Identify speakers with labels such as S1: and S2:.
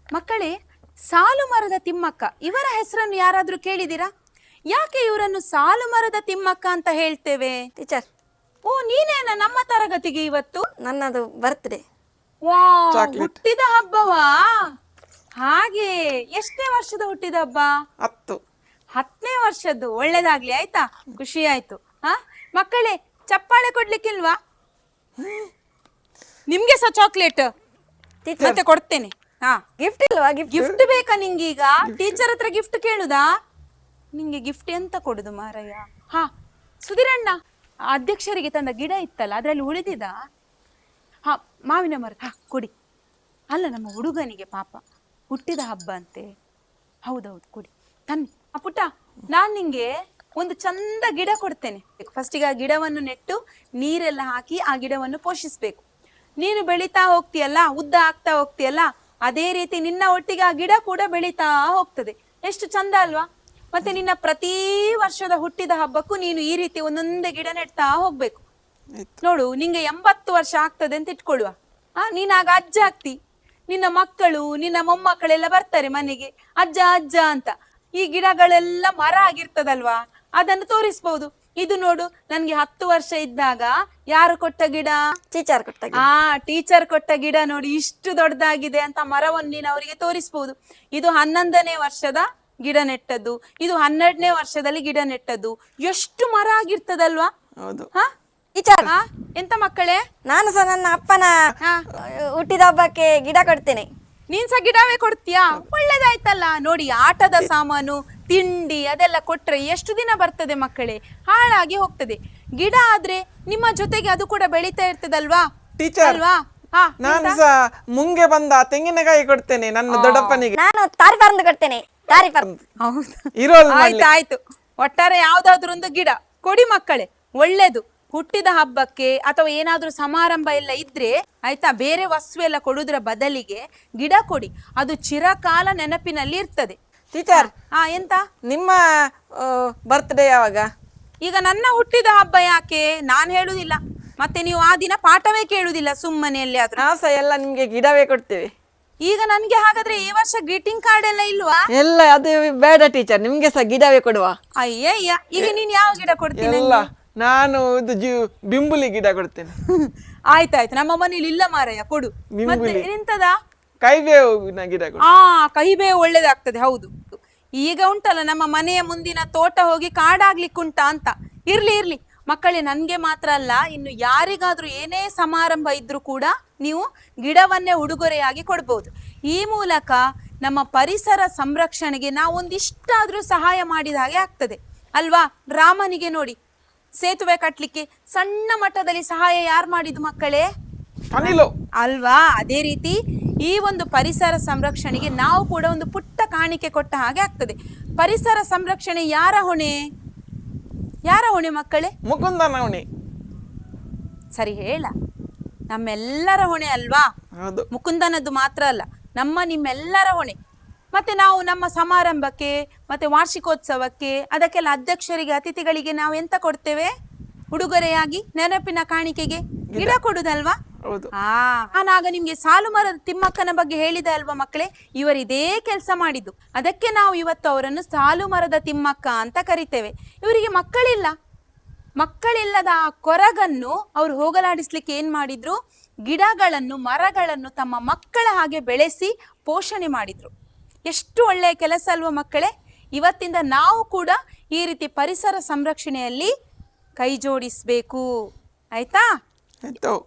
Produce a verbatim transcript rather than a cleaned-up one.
S1: ಮಕ್ಕಳೇ, ಸಾಲು ಮರದ ತಿಮ್ಮಕ್ಕ ಇವರ ಹೆಸರನ್ನು ಯಾರಾದ್ರೂ ಕೇಳಿದಿರಾ? ಯಾಕೆ ಇವರನ್ನು ಸಾಲು ಮರದ ತಿಮ್ಮಕ್ಕ ಅಂತ ಹೇಳ್ತೇವೆ?
S2: ಟೀಚರ್,
S1: ಓ, ನೀನೇನ ನಮ್ಮ ತರಗತಿಗೆ ಇವತ್ತು?
S2: ನನ್ನದು ಬರ್ತ್ಡೇ.
S1: ವಾ, ಹುಟ್ಟಿದ ಹಬ್ಬವಾ? ಹಾಗೆ, ಎಷ್ಟನೇ ವರ್ಷದ ಹುಟ್ಟಿದ ಹಬ್ಬ?
S3: ಹತ್ತು
S1: ಹತ್ತನೇ ವರ್ಷದ್ದು. ಒಳ್ಳೇದಾಗ್ಲಿ, ಆಯ್ತಾ? ಖುಷಿ ಆಯ್ತು. ಹಾ ಮಕ್ಕಳೇ, ಚಪ್ಪಾಳೆ ಕೊಡ್ಲಿಕ್ಕಿಲ್ವಾ? ನಿಮ್ಗೆ ಸಹ ಚಾಕ್ಲೇಟ್ ಮತ್ತೆ ಕೊಡ್ತೇನೆ. ಹಾ,
S2: ಗಿಫ್ಟ್ ಇಲ್ವಾ? ಗಿಫ್ಟ್
S1: ಗಿಫ್ಟ್ ಬೇಕಾ ನಿಂಗೀಗ? ಟೀಚರ್ ಹತ್ರ ಗಿಫ್ಟ್ ಕೇಳುದಾ? ನಿಂಗೆ ಗಿಫ್ಟ್ ಎಂತ ಕೊಡುದು ಮಾರಯ್ಯ? ಹಾ, ಸುಧಿರಣ್ಣ, ಅಧ್ಯಕ್ಷರಿಗೆ ತಂದ ಗಿಡ ಇತ್ತಲ್ಲ, ಅದ್ರಲ್ಲಿ ಉಳಿದಿದ? ಹಾ, ಮಾವಿನ ಮರ. ಹಾ, ಕೊಡಿ. ಅಲ್ಲ, ನಮ್ಮ ಹುಡುಗನಿಗೆ ಪಾಪ ಹುಟ್ಟಿದ ಹಬ್ಬ ಅಂತೆ. ಹೌದೌದು, ಕೊಡಿ. ತನ್ನಿ. ಆ ಪುಟ್ಟ, ನಾನ್ ನಿಂಗೆ ಒಂದು ಚಂದ ಗಿಡ ಕೊಡ್ತೇನೆ. ಫಸ್ಟಿಗೆ ಆ ಗಿಡವನ್ನು ನೆಟ್ಟು ನೀರೆಲ್ಲ ಹಾಕಿ ಆ ಗಿಡವನ್ನು ಪೋಷಿಸ್ಬೇಕು. ನೀನು ಬೆಳೀತಾ ಹೋಗ್ತೀಯಲ್ಲ, ಉದ್ದ ಆಗ್ತಾ ಹೋಗ್ತೀಯಲ್ಲ, ಅದೇ ರೀತಿ ನಿನ್ನ ಒಟ್ಟಿಗೆ ಆ ಗಿಡ ಕೂಡ ಬೆಳೀತಾ ಹೋಗ್ತದೆ. ಎಷ್ಟು ಚಂದ ಅಲ್ವಾ? ಮತ್ತೆ ನಿನ್ನ ಪ್ರತಿ ವರ್ಷದ ಹುಟ್ಟಿದ ಹಬ್ಬಕ್ಕೂ ನೀನು ಈ ರೀತಿ ಒಂದೊಂದೇ ಗಿಡ ನೆಡ್ತಾ ಹೋಗ್ಬೇಕು. ನೋಡು, ನಿಂಗೆ ಎಂಬತ್ತು ವರ್ಷ ಆಗ್ತದೆ ಅಂತ ಇಟ್ಕೊಳ್ಳುವ. ಆ ನೀನಾಗ ಅಜ್ಜ ಆಗ್ತಿ. ನಿನ್ನ ಮಕ್ಕಳು, ನಿನ್ನ ಮೊಮ್ಮಕ್ಕಳೆಲ್ಲ ಬರ್ತಾರೆ ಮನೆಗೆ, ಅಜ್ಜ ಅಜ್ಜ ಅಂತ. ಈ ಗಿಡಗಳೆಲ್ಲ ಮರ ಆಗಿರ್ತದಲ್ವಾ, ಅದನ್ನು ತೋರಿಸ್ಬಹುದು. ಇದು ನೋಡು, ನನ್ಗೆ ಹತ್ತು ವರ್ಷ ಇದ್ದಾಗ ಯಾರು ಕೊಟ್ಟ ಗಿಡ?
S2: ಟೀಚರ್ ಕೊಟ್ಟ ಗಿಡ.
S1: ಆ ಟೀಚರ್ ಕೊಟ್ಟ ಗಿಡ ನೋಡಿ, ಇಷ್ಟು ದೊಡ್ಡದಾಗಿದೆ ಅಂತ ಮರವನ್ನು ನೀನು ಅವರಿಗೆ ತೋರಿಸಬಹುದು. ಇದು ಹನ್ನೊಂದನೇ ವರ್ಷದ ಗಿಡ ನೆಟ್ಟದ್ದು, ಇದು ಹನ್ನೆರಡನೇ ವರ್ಷದಲ್ಲಿ ಗಿಡ ನೆಟ್ಟದ್ದು. ಎಷ್ಟು ಮರ ಆಗಿರ್ತದಲ್ವಾ?
S3: ಹೌದು.
S1: ಹಾ
S2: ಟೀಚರ್,
S1: ಎಂತ ಮಕ್ಕಳೇ,
S2: ನಾನು ಸಹ ನನ್ನ ಅಪ್ಪನ ಹುಟ್ಟಿದ ಹಬ್ಬಕ್ಕೆ ಗಿಡ ಕೊಡ್ತೇನೆ.
S1: ನೀನ್ ಸಹ ಗಿಡವೇ ಕೊಡ್ತೀಯಾ? ಒಳ್ಳೇದಾಯ್ತಲ್ಲ. ನೋಡಿ, ಆಟದ ಸಾಮಾನು, ತಿಂಡಿ ಅದೆಲ್ಲ ಕೊಟ್ರೆ ಎಷ್ಟು ದಿನ ಬರ್ತದೆ ಮಕ್ಕಳೇ? ಹಾಳಾಗಿ ಹೋಗ್ತದೆ. ಗಿಡ ಆದ್ರೆ ನಿಮ್ಮ ಜೊತೆಗೆ ಅದು ಕೂಡ ಬೆಳೀತಾ ಇರ್ತದಲ್ವಾ?
S3: ಟೀಚರ್,
S1: ಅಲ್ವಾ? ಹಾ,
S3: ನಾನು ಸಹ ಮುಂಗೆ ಬಂದ ತೆಂಗಿನಕಾಯಿ ಕೊಡ್ತೇನೆ ನನ್ನ ದೊಡ್ಡಪ್ಪನಿಗೆ.
S2: ನಾನು ತಾರಿ ಪರಂದು ಕೊಡ್ತೇನೆ. ತಾರಿ ಪರಂದು.
S1: ಹೌದು,
S3: ಇರೋಲ್
S1: ಆಯ್ತು ಆಯ್ತು. ಒಟ್ಟಾರೆ ಯಾವ್ದಾದ್ರು ಒಂದು ಗಿಡ ಕೊಡಿ ಮಕ್ಕಳೇ, ಒಳ್ಳೇದು. ಹುಟ್ಟಿದ ಹಬ್ಬಕ್ಕೆ ಅಥವಾ ಏನಾದ್ರೂ ಸಮಾರಂಭ ಎಲ್ಲ ಇದ್ರೆ ಆಯ್ತಾ, ಬೇರೆ ವಸ್ತು ಎಲ್ಲ ಕೊಡುವುದರ ಬದಲಿಗೆ ಗಿಡ ಕೊಡಿ. ಅದು ಚಿರಕಾಲ ನೆನಪಿನಲ್ಲಿ ಇರ್ತದೆ.
S3: ಟೀಚರ್,
S1: ಹಾ, ಎಂತ?
S3: ನಿಮ್ಮ ಬರ್ತ್ಡೇ ಯಾವಾಗ?
S1: ಈಗ ನನ್ನ ಹುಟ್ಟಿದ ಹಬ್ಬ ಯಾಕೆ ನಾನ್ ಹೇಳುದಿಲ್ಲ, ಮತ್ತೆ ನೀವು ಆ ದಿನ ಪಾಠವೇ ಕೇಳುದಿಲ್ಲ ಸುಮ್ಮನೆ ಎಲ್ಲಿ ಆದ್ರೂ.
S3: ನಾವು ಸಹ ಎಲ್ಲ ನಿಮ್ಗೆ ಗಿಡವೇ ಕೊಡ್ತೇವೆ.
S1: ಈಗ ನನ್ಗೆ ಹಾಗಾದ್ರೆ ಈ ವರ್ಷ ಗ್ರೀಟಿಂಗ್ ಕಾರ್ಡ್ ಎಲ್ಲ ಇಲ್ವಾ?
S3: ಎಲ್ಲ ಅದು ಬೇಡ ಟೀಚರ್, ನಿಮ್ಗೆ ಸಹ ಗಿಡವೇ ಕೊಡುವ.
S1: ಅಯ್ಯಯ್ಯ, ಈಗ ನೀನ್ ಯಾವ ಗಿಡ ಕೊಡ್ತೀನಿ?
S3: ಎಲ್ಲ ನಾನು ಇದು ಜೀ ಬಿಂಬುಲಿ ಗಿಡ ಕೊಡ್ತೇನೆ.
S1: ಆಯ್ತಾಯ್ತು, ನಮ್ಮ ಮನೇಲಿ ಇಲ್ಲ ಮಾರಯ್ಯ, ಕೊಡು. ಮತ್ತೆ ಎಂತದ?
S3: ಕೈಬೇವಿನ ಗಿಡ ಕೊಡು.
S1: ಆ ಕಹಿಬೇವು ಒಳ್ಳೇದಾಗ್ತದೆ. ಹೌದು, ಈಗ ಉಂಟಲ್ಲ ನಮ್ಮ ಮನೆಯ ಮುಂದಿನ ತೋಟ ಹೋಗಿ ಕಾಡಾಗ್ಲಿಕ್ಕುಂಟಾ ಅಂತ. ಇರ್ಲಿ ಇರ್ಲಿ ಮಕ್ಕಳೇ, ನನ್ಗೆ ಮಾತ್ರ ಅಲ್ಲ, ಇನ್ನು ಯಾರಿಗಾದ್ರೂ ಏನೇ ಸಮಾರಂಭ ಇದ್ರೂ ಕೂಡ ನೀವು ಗಿಡವನ್ನೇ ಉಡುಗೊರೆಯಾಗಿ ಕೊಡ್ಬೋದು. ಈ ಮೂಲಕ ನಮ್ಮ ಪರಿಸರ ಸಂರಕ್ಷಣೆಗೆ ನಾವು ಒಂದಿಷ್ಟಾದ್ರೂ ಸಹಾಯ ಮಾಡಿದ ಹಾಗೆ ಆಗ್ತದೆ ಅಲ್ವಾ? ರಾಮನಿಗೆ ನೋಡಿ, ಸೇತುವೆ ಕಟ್ಲಿಕ್ಕೆ ಸಣ್ಣ ಮಟ್ಟದಲ್ಲಿ ಸಹಾಯ ಯಾರು ಮಾಡಿದ್ದು ಮಕ್ಕಳೇ? ಅಲ್ವಾ? ಅದೇ ರೀತಿ ಈ ಒಂದು ಪರಿಸರ ಸಂರಕ್ಷಣೆಗೆ ನಾವು ಕೂಡ ಒಂದು ಪುಟ್ಟ ಕಾಣಿಕೆ ಕೊಟ್ಟ ಹಾಗೆ ಆಗ್ತದೆ. ಪರಿಸರ ಸಂರಕ್ಷಣೆ ಯಾರ ಹೊಣೆ? ಯಾರ ಹೊಣೆ ಮಕ್ಕಳೇ?
S3: ಮುಕುಂದನ ಹೊಣೆ.
S1: ಸರಿ ಹೇಳ, ನಮ್ಮೆಲ್ಲರ ಹೊಣೆ ಅಲ್ವಾ? ಮುಕುಂದನದ್ದು ಮಾತ್ರ ಅಲ್ಲ, ನಮ್ಮ ನಿಮ್ಮೆಲ್ಲರ ಹೊಣೆ. ಮತ್ತೆ ನಾವು ನಮ್ಮ ಸಮಾರಂಭಕ್ಕೆ ಮತ್ತೆ ವಾರ್ಷಿಕೋತ್ಸವಕ್ಕೆ ಅದಕ್ಕೆಲ್ಲ ಅಧ್ಯಕ್ಷರಿಗೆ, ಅತಿಥಿಗಳಿಗೆ ನಾವು ಎಂತ ಕೊಡ್ತೇವೆ ಉಡುಗೊರೆಯಾಗಿ? ನೆನಪಿನ ಕಾಣಿಕೆಗೆ ಗಿಡ ಕೊಡುದಲ್ವಾ? ಆ ನಾನಾಗ ನಿಮ್ಗೆ ಸಾಲು ಮರದ ತಿಮ್ಮಕ್ಕನ ಬಗ್ಗೆ ಹೇಳಿದೆ ಅಲ್ವಾ ಮಕ್ಕಳೇ? ಇವರು ಇದೇ ಕೆಲಸ ಮಾಡಿದ್ದು, ಅದಕ್ಕೆ ನಾವು ಇವತ್ತು ಅವರನ್ನು ಸಾಲು ಮರದ ತಿಮ್ಮಕ್ಕ ಅಂತ ಕರಿತೇವೆ. ಇವರಿಗೆ ಮಕ್ಕಳಿಲ್ಲ. ಮಕ್ಕಳಿಲ್ಲದ ಆ ಕೊರಗನ್ನು ಅವರು ಹೋಗಲಾಡಿಸ್ಲಿಕ್ಕೆ ಏನ್ ಮಾಡಿದ್ರು? ಗಿಡಗಳನ್ನು, ಮರಗಳನ್ನು ತಮ್ಮ ಮಕ್ಕಳ ಹಾಗೆ ಬೆಳೆಸಿ ಪೋಷಣೆ ಮಾಡಿದ್ರು. ಎಷ್ಟು ಒಳ್ಳೆಯ ಕೆಲಸ ಅಲ್ವಾ ಮಕ್ಕಳೇ? ಇವತ್ತಿಂದ ನಾವು ಕೂಡ ಈ ರೀತಿ ಪರಿಸರ ಸಂರಕ್ಷಣೆಯಲ್ಲಿ ಕೈ ಜೋಡಿಸ್ಬೇಕು. ಆಯ್ತಾ?